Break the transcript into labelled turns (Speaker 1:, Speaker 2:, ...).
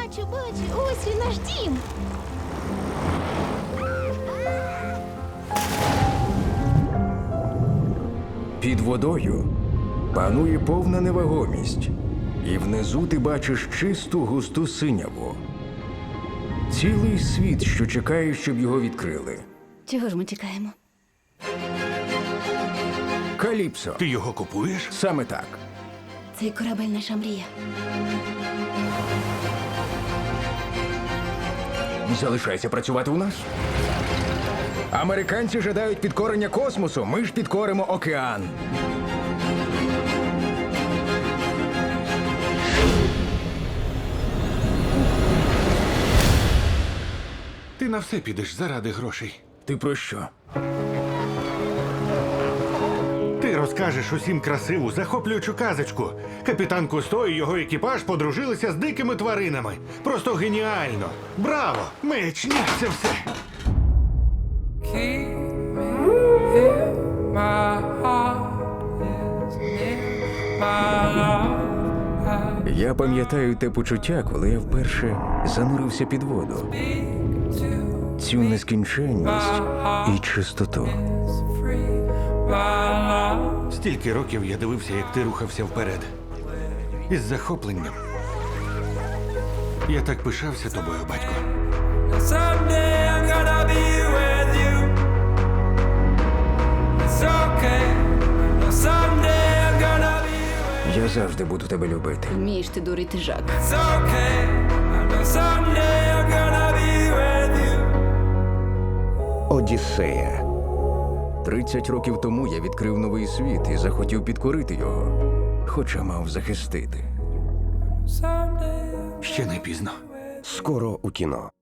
Speaker 1: Бачу, ось і наш дім.
Speaker 2: Під водою панує повна невагомість, і внизу ти бачиш чисту густу синяву. Цілий світ, що чекає, щоб його відкрили.
Speaker 1: Чого ж ми чекаємо?
Speaker 2: Каліпсо.
Speaker 3: Ти його купуєш?
Speaker 2: Саме так.
Speaker 1: Цей корабель наша мрія.
Speaker 2: Залишайся працювати у нас. Американці жадають підкорення космосу, ми ж підкоримо океан.
Speaker 3: Ти на все підеш заради грошей.
Speaker 2: Ти про що?
Speaker 3: Ти розкажеш усім красиву, захоплюючу казочку. Капітан Кусто і його екіпаж подружилися з дикими тваринами. Просто геніально! Браво! Мечня, це все!
Speaker 4: Keep me here, my heart is near, my love.
Speaker 2: Я пам'ятаю те почуття, коли я вперше занурився під воду. Цю нескінченність і чистоту.
Speaker 4: Free, my love.
Speaker 3: Стільки років я дивився, як ти рухався вперед. Із захопленням. Я так пишався тобою, батько.
Speaker 4: Someday I'm gonna be with you. It's okay. Someday I'm gonna be with
Speaker 2: Я завжди буду тебе любити.
Speaker 1: Вмієш ти дурити жак.
Speaker 4: It's okay. I know someday I'm gonna be with you.
Speaker 2: Одіссея. 30 років тому я відкрив новий світ і захотів підкорити його, хоча мав захистити.
Speaker 4: Someday.
Speaker 3: Ще не пізно.
Speaker 2: Скоро у кіно.